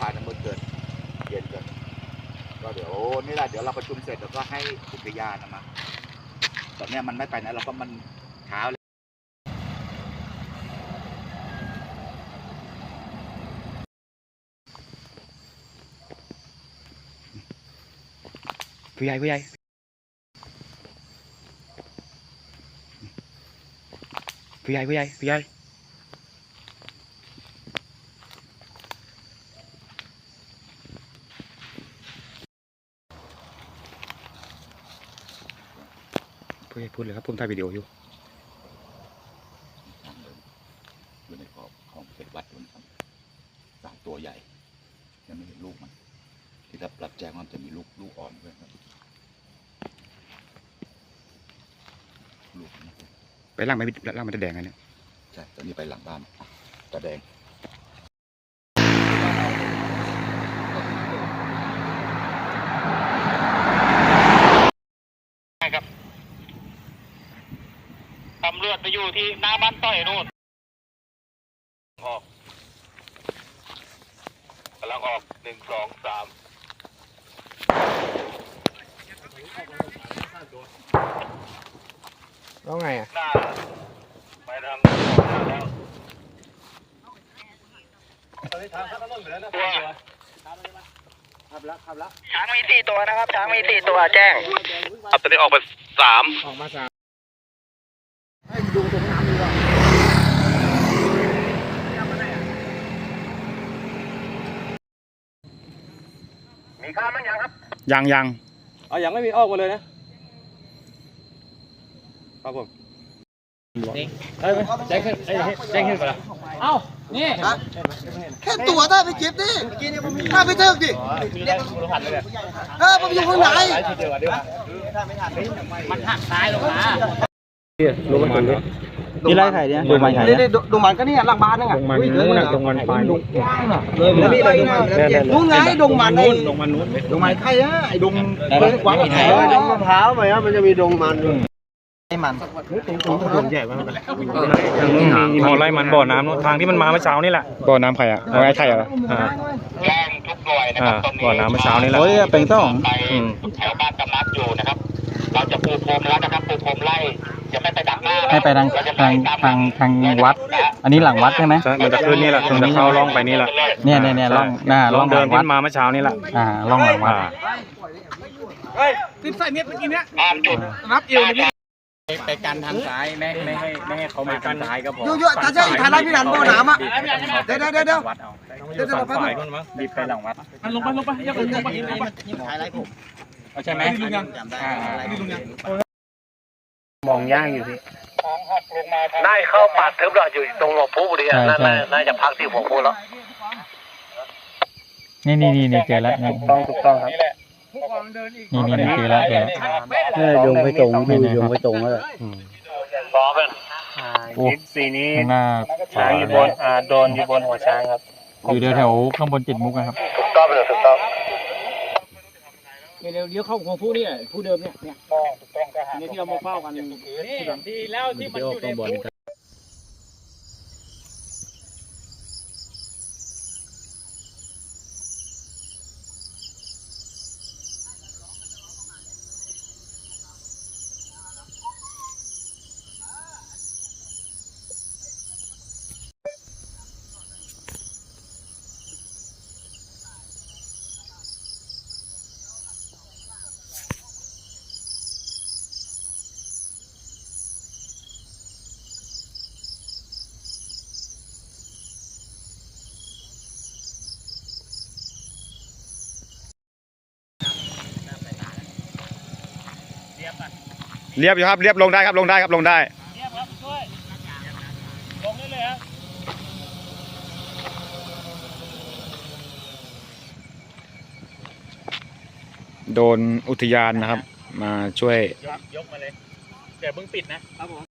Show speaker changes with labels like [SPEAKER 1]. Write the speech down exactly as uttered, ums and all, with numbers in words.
[SPEAKER 1] านเมื่อเกิดเย็นกันก็เดี๋ยวนี่แหละเดี๋ยวเราประชุมเสร็จแล้วก็ให้อุทยานนะมาตอนนี้มันไม่ไปนะเราก็มันเช้าเลยผู้ใหญ่ผู้ใหญ่ผู้ใหญ่ผู้ใหญ่ผู้ใหญ่ผู้ใหญ่พูดเลยครับผมถ่ายวิดีโออยู่อยู่ในขอบของเขตวัดนะครับสามตัวใหญ่ยังไม่เห็นลูกมันที่รับรับแจ้งว่าจะมีลูกลูกอ่อนด้วยครับลูกไปล่างไม่ล่างมันจะแดงไงเนี่ยใช่ตอนนี้ไปหลังบ้านตะแดง
[SPEAKER 2] ครับตำรวจไปอยู่ที่หน้าบ้านต้อยนู่นออกกำลังออกหนึ่งสองสาม
[SPEAKER 3] แล้วไงอ่ะ
[SPEAKER 2] ไปทางแล้วช้างมีสี่ตัวนะครับช้างมีสี่ตัวแจ้งครับตอนนี้ออกไปสาม
[SPEAKER 3] ออกมาสาม
[SPEAKER 1] ให้ดูตรงน้ำดีกว่า
[SPEAKER 2] มีข้าวมั้งยังครับ
[SPEAKER 4] ยังยัง
[SPEAKER 3] เอายังไม่มีออกมาเลยนะครับผมนี่เอ้ยแจ้งขึ้นแจ้งขึ้นไปแล้วเอ้านี่
[SPEAKER 5] แค่ตัวได้ไปเก็บดิถ้าไปเทิกดิเออผมอยู่ข้างใน
[SPEAKER 2] มันหักซ้ายลงมา
[SPEAKER 3] ลงมันนี่
[SPEAKER 5] นี่ไรไข่เนี่ยดูมันไข่เนี่ยดูมันก็นี่หลังบ้านนั่งอ่ะ
[SPEAKER 3] ดงมันนู้นดงมันไป
[SPEAKER 5] เลยเลยนู้นไงดงมันนู่น
[SPEAKER 3] ดงมันนู้น
[SPEAKER 5] ดงมันไข่อะไอ้ดงกว้างไข่ดงมะพร้าวไหมครับมันจะมีดงมันไอ้มัน
[SPEAKER 3] ดงใหญ่มากพอไล่มันบ่อน้ำทางที่มันมาเมื่อเช้านี่แหละ
[SPEAKER 4] บ่อน้ำใครอ่ะเอาไอ้ไข่อ่ะ
[SPEAKER 2] แจ้งทุกหน่วยนะครับตอนนี้
[SPEAKER 3] บ่อน้ำเมื่อเช้านี่แหละ
[SPEAKER 4] โอ้ยเป็นต้อง
[SPEAKER 2] ไปแถวบ้านกำนัดอยู่นะครับเราจะปูพรมแล้วนะครับปูพรมไล่จะไม่ไปดักหน้า
[SPEAKER 5] ให้ไปทางทางทางทางวัดอันนี้หลังวัดใช่ไหม
[SPEAKER 3] ใช่มันจะขึ้นนี่แหละมันจะเข้าล่องไปนี่แหละ
[SPEAKER 5] เนี่ยเนี่ยเนี่ยล่องหน้า
[SPEAKER 3] ล่องเดินขึ้นมาเมื่อเช้านี่แหละ
[SPEAKER 5] อ่าล่องหลังวัด
[SPEAKER 2] เฮ้ยติดใส่เม็ดเมื่อกี้เนี้ยอ่านจุดนับเอวเลยไปกันทางซ้ายไม่ไม่ให้ไม่ให้เขามาทางซ้ายก็พอ
[SPEAKER 5] เยอะๆถ้าใช่ทางไรพี่นันบ่อน้ำอ่ะเดี๋ยวเดี๋ยวเดี๋ยว
[SPEAKER 3] เดี๋ยวฝั่งฝ่ายคนมั้งรีบไปหลังวัด
[SPEAKER 2] มันลงไปลงไปอย่าลงไป
[SPEAKER 5] ยิ้มถ่ายไรผม
[SPEAKER 3] ใช่ไหม
[SPEAKER 5] นี่ลุงยังนี่ลุงยัง
[SPEAKER 3] มองยากอยู่พี่
[SPEAKER 2] ได้เข้าปาดทึบเราอยู่ตรงหัวผู้บุรีน่าน่าจะพักที่หัวผู้แล้ว
[SPEAKER 5] นี่นี่นี่เจอแล้วนี่
[SPEAKER 3] ต้องถูกต้องครับ
[SPEAKER 5] นี่นี่นี่เจอแล้วเจอแล้ว
[SPEAKER 3] โยงไปตรงดูโยงไปตรงแล้ว
[SPEAKER 2] พร้อมเป็น
[SPEAKER 3] สีนี้
[SPEAKER 5] ช้าง
[SPEAKER 3] อยู่บนอ่าโดนอยู่บนหัวช้างครับ
[SPEAKER 5] อยู่แถวข้างบนจิตมุกนะครับ
[SPEAKER 2] ถูกต้องเลยถูกต้อง
[SPEAKER 5] เดี๋ยวเดี๋ยวเข้าของผู้นี่ผู้เดิมเนี่ยเนี่ยนี่ที่เรามาเฝ้ากันนี่
[SPEAKER 2] ดีแล้วที่มันอยู่ในผู้
[SPEAKER 4] เรียบอยู่ครับเรียบลงได้ครับลงได้ครับลงได้
[SPEAKER 2] เรียบครับช่วยลงได้เลยครับ
[SPEAKER 4] โดนอุทยานนะครับมาช่วย
[SPEAKER 2] ยกมาเลยเดี๋ยวเพิ่งปิดนะครับผม